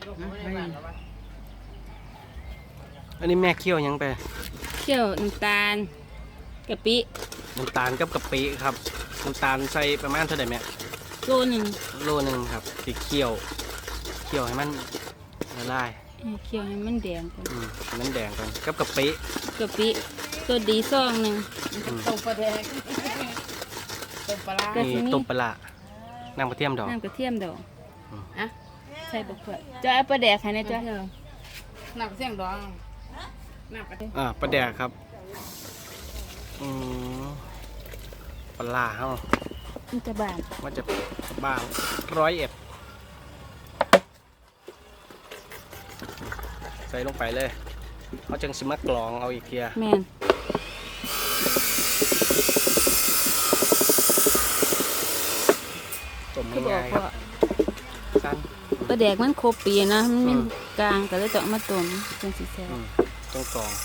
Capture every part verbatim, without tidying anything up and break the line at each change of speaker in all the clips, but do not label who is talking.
อันนี้แม่เคี่ยวยังไป
เคี่ยวน้ำตาลกะปิ
น้ำตาลกับกะปิครับน้ำตาลใส่ประมาณเท่าไหร่แม่
โลหนึ่ง
โลหนึ่งครับติเคี่ยวเคี่ยวให้มันละลาย
เคี่ยวให้มันแดงก่อน
อืมมันแดงก่อนกับกะปิ
กะปิตัวดีซองหนึ่ง
ต้มปลาแดงต้มปลา
นี่ต้มปลาน้ำกระเทียมดอก
น้ำกระเทียมดอกอ่ะใส่บุกเผือกจะเอาปลาแดกให้นะจ๊ะ
น้ำกระเทียมดองน้ำกระเทียม
อ่าปลาแดกครับอืมปลาเฮา
มันจะบาน
มันจะบางร้อยเอ็ดใส่ลงไปเลยเขาจังสิมากรองเอาอีกเทีย
แมน
ต้มง่ายๆครับสั้น
ปลาแดกมันครบปีนะมันเป็นกลางก็เลยต้องมาต้มจนสีแซ่บ
ต้องกรอง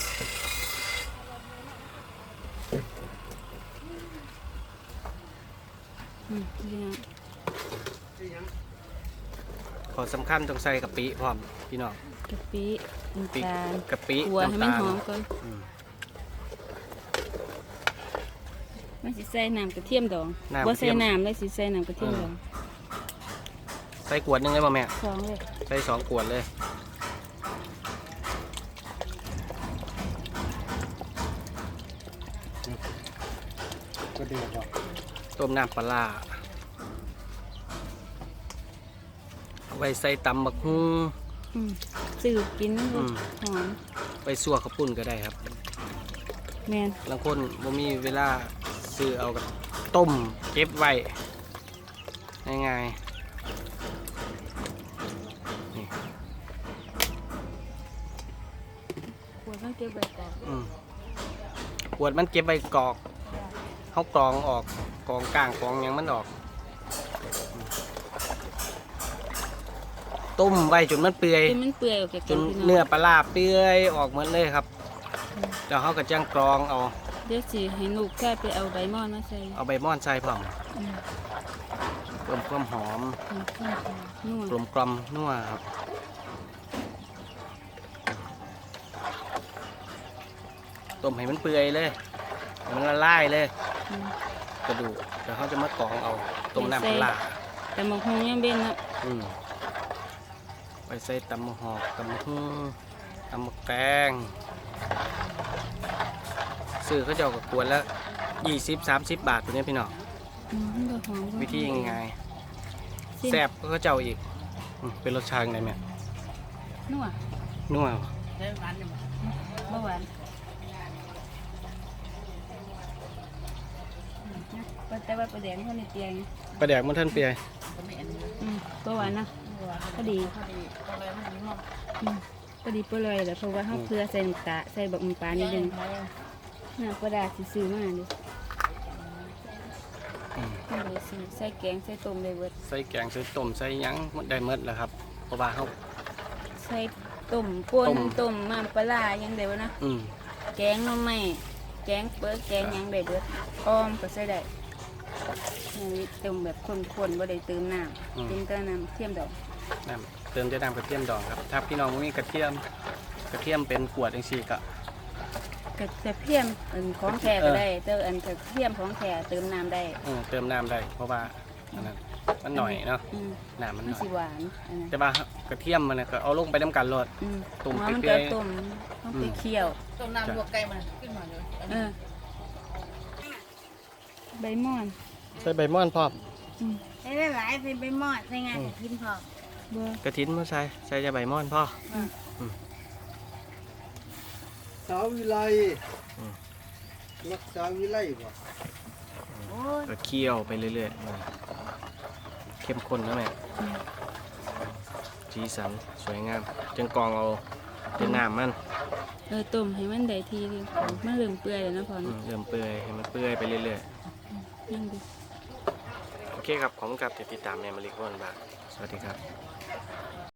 ขอสำคัญต้องใส่กะปิพร้อมพี่น้อง
กะปิน้ำตาล
กะปิ
หัวให้มันหอมก่อนไม่สิใส่น้ำกระเทียมดองบ่ใส่น้ำเลยสิใส่น้ำกระเทียมดอง
ใส่ขวดนึงเลยป่ะแม่
สองเลย
ใส่สองขวดเลยต้มน้ำปลาไว้ใส่ตำบักหุ่ง
ซื้อกินหอม
ไปซั่วข้าวปุ้นก็ได้ครับ
แมน
บางคนบ่มีเวลาซื้อเอากับต้มเก็บไว้ง่ายๆนี่
ขวดมันเก็บใบกอก
ขวดมันเก็บใบกอกเขากรองออกกรองก้างกรองยังมันออกต้มไว้จนมันเปื่อยจนเนื้อปลาเปื่อยออกหมดเลยครับแล้วเขาก็จ้างกรองเอา
เดี๋ยวสิให้ลูกแค่ไปเอาใบม่อนมาใส่
เอาใบม่อนใส่พร้อมเพิ่มความหอมกลมกล่อมนัวครับต้มให้มันเปื่อยเลยมันละลายเลยกระดูกเดี๋ยวเขาจะมากรองเอาต้มน้ำปลา
แต่หมกฮงยังเบ็นนะ
ไปใส่ตำมะฮอกตำมะฮึ่งตำมะแกงซื้อเขาเจ้ากับขวดละยี่สิบสามสิบบาทตัวนี้พี่น้องวิธียังไงแซ่บก็เจ้าอีกเป็นรสชาติไงแม่
นัว
นัว
หวาน
เบาหวานแต่ว่าประเดี๋ยวมันในเตียง
ประเดี๋ยวมันท่านเปีย
เบาหวานนะก็ดีก็ดีเปล่อยแต่เพราะว่าเขาเพื่อใส่ตาใส่บักมันปลานิดนึงน้ำปลาดาซื้อมาดิใส่แกงใส่ต้มได้เบิด
ใส่แกงใส่ต้มใส่ยั้งได้เมดแล้วครับเพราะว่าเขา
ใส่ต้มป่นต้มน้ำปลายังได้วะนะแกงน้ำไม่แกงเปิ้ลแกงยังได้เบิดอ้อมก็ใส่ได้นี่ต้มแบบข้นๆบ่ได้เติมน้ำเติมแต่น้ำเทียมดอก
น้ำเติมจะน้ำกระเทียมดองครับถ้าพี่น้องไม่มีกระเทียมกระเทียมเป็นขวดจังซี่ก็
กระเทียมอันของแท้ก็ได้เติมอันกระเทียมของแท้เติมน้ำได้
เติมน้ำได้เพราะว่ามันหน่อยเนาะน้ำมันหน่อย
หวาน
แต่ว่ากระเทียมมันก็เอาลงไปน้ำกันรด
ตุ่มเปรี้ยวตุ่มต้องไปเคี่ยว
ต้มน้ำลวกไก่มันขึ้นมาเลย
ใบม่อน
ใส่ใบม่อนพร้อม
ใส่หลายใส่ใบม่อนใส่งานกระถิ่นพร้อม
กระถิ่นมาใส่ใส่จะใบม่อนพ่อ
สาววิไลรักษาวิไลบ่
ก็เคี่ยวไปเรื่อยๆเข้มข้นนะแม่สีสันสวยงามจังกองเอาเป็นน้ำมัน
เออต้มให้มันได้ทีนึงมันเริ่มเปื่อยแล้วนะพอ
เริ่มเปื่อยให้มันเปื่อยไปเรื่อยๆ
นั่งดู
โอเคครับขอบคุณครับติดตามแม่มาริกวันบาสวัสดีครับ